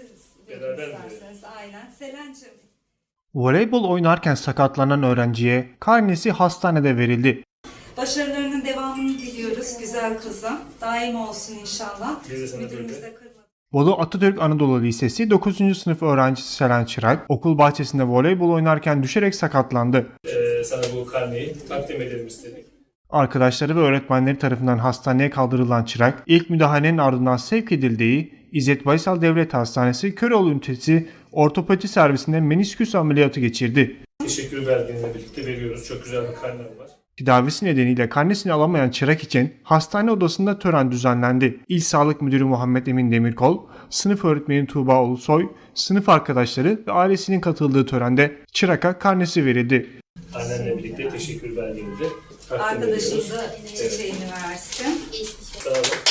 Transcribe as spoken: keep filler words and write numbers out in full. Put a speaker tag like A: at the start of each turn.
A: siz verin
B: Beraber mi
A: isterseniz. Aynen. Selen'cim.
C: Voleybol oynarken sakatlanan öğrenciye karnesi hastanede verildi.
A: Başarılarının devamını diliyoruz güzel kızım. Daim olsun inşallah.
B: Biz de sana
A: Müdürümüz
B: böyle.
A: de kırmadı.
C: Bolu Atatürk Anadolu Lisesi dokuzuncu sınıf öğrencisi Selen Çırak, okul bahçesinde voleybol oynarken düşerek sakatlandı.
B: Ee, sana bu karneyi takdim edelim istedik.
C: Arkadaşları ve öğretmenleri tarafından hastaneye kaldırılan Çırak, ilk müdahalenin ardından sevk edildiği İzzet Baysal Devlet Hastanesi Köroğlu Ünitesi Ortopedi Servisinde menisküs ameliyatı geçirdi.
B: Teşekkür belgenle birlikte veriyoruz. Çok güzel bir karnem var.
C: Tedavisi nedeniyle karnesini alamayan Çırak için hastane odasında tören düzenlendi. İl Sağlık Müdürü Muhammed Emin Demirkol, sınıf öğretmeni Tuğba Ulusoy, sınıf arkadaşları ve ailesinin katıldığı törende Çırak'a karnesi verildi.
B: Annenle birlikte teşekkür belgeni de takdim
A: Arkadaşım
B: ediyoruz.
A: da çiçeğini versin.
B: Sağ olun.